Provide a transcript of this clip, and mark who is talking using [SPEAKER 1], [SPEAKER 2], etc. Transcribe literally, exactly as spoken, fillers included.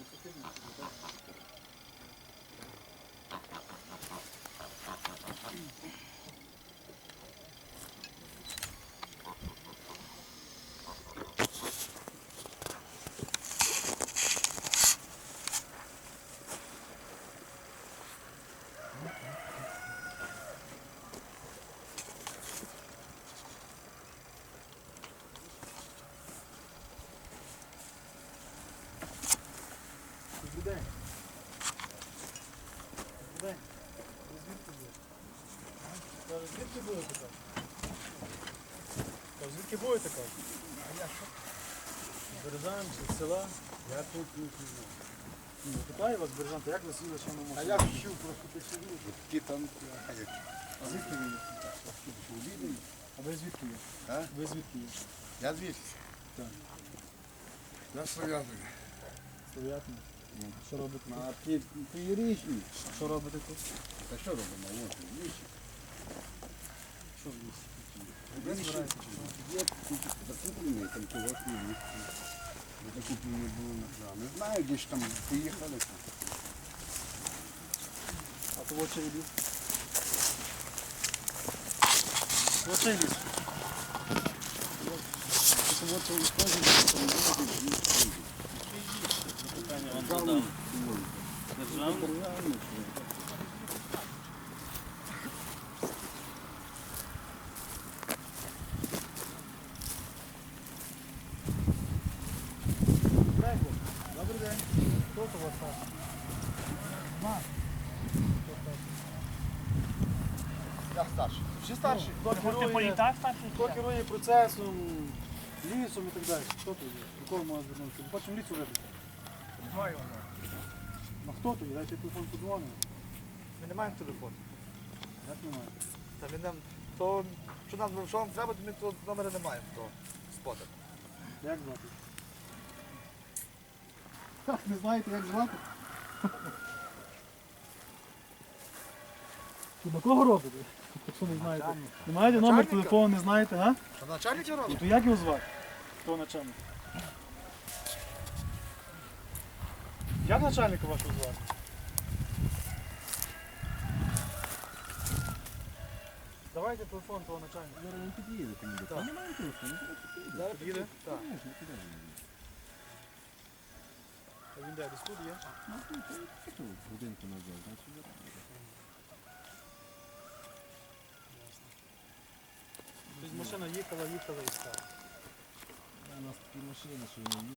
[SPEAKER 1] День. День. Звідки були? Каже, звідки були така? Каже, звідки були така? А я що? З Березан чи з села?
[SPEAKER 2] Я тут не знаю.
[SPEAKER 1] Ну, питаю вас, Березан, як ви сіли, що ми можемо?
[SPEAKER 2] А я вчив просто посидів, ті там, а як
[SPEAKER 1] А звідки ви є?
[SPEAKER 2] увидели.
[SPEAKER 1] А ви звідки є?
[SPEAKER 2] А?
[SPEAKER 1] Ви звідки є?
[SPEAKER 2] Я звідси.
[SPEAKER 1] Так.
[SPEAKER 2] Я Слов'язаний.
[SPEAKER 1] Слов'ятний.
[SPEAKER 2] Ну.
[SPEAKER 1] Що робите тут?
[SPEAKER 2] А ти, ти річний.
[SPEAKER 1] А що робите тут?
[SPEAKER 2] Та що робимо? Ось, вічі.
[SPEAKER 1] Що в лісі?
[SPEAKER 2] Ви
[SPEAKER 1] Ви збираєте чи що?
[SPEAKER 2] Є закуплений, там чогось не вісти. Закуплені були на крам. Не знаю, де ж там поїхали. Там.
[SPEAKER 1] А то в очі ліс? В очі ліс.
[SPEAKER 2] Це от цей теж там люди.
[SPEAKER 3] Питання вам задав. Державний?
[SPEAKER 1] Добрий день. Хто у вас там? Ма.
[SPEAKER 2] Я старший.
[SPEAKER 1] Всі старші? Хто
[SPEAKER 3] Ти
[SPEAKER 1] керує,
[SPEAKER 3] політак старший?
[SPEAKER 1] хто керує процесом, лісом і так далі? Хто тут є? До кого можна звернутися? Ми хочемо лісу вибити.
[SPEAKER 2] Знаю.
[SPEAKER 1] Ну хто тут є? Дайте телефон подзвонимо.
[SPEAKER 4] Ми не маємо телефону.
[SPEAKER 1] Як немає?
[SPEAKER 4] Та ми нам, то, що нам, що нам треба, то ми того номера не маємо, того спота.
[SPEAKER 1] Як звати? Ха, не знаєте, як звати? Що, до кого робите? Якщо не знаєте. Не маєте номер
[SPEAKER 4] Начальника.
[SPEAKER 1] телефону, не знаєте, га?
[SPEAKER 4] Що начальник його
[SPEAKER 1] Ну
[SPEAKER 4] робить?
[SPEAKER 1] то як його звати? Хто начальник? Як начальника вашого звати? Давайте телефон того начальника.
[SPEAKER 2] Зараз він під'їде, ти мені.
[SPEAKER 1] Так.
[SPEAKER 2] Немає телефону, зараз під'їде.
[SPEAKER 1] Зараз під'їде? Так.
[SPEAKER 2] Конечно, куди він їде?
[SPEAKER 1] А він де? Десь тут є?
[SPEAKER 2] Ну, тут, що, годинку назад, значить, зараз.
[SPEAKER 1] Тобто машина їхала, їхала і стала.
[SPEAKER 2] У нас такі машини, що вони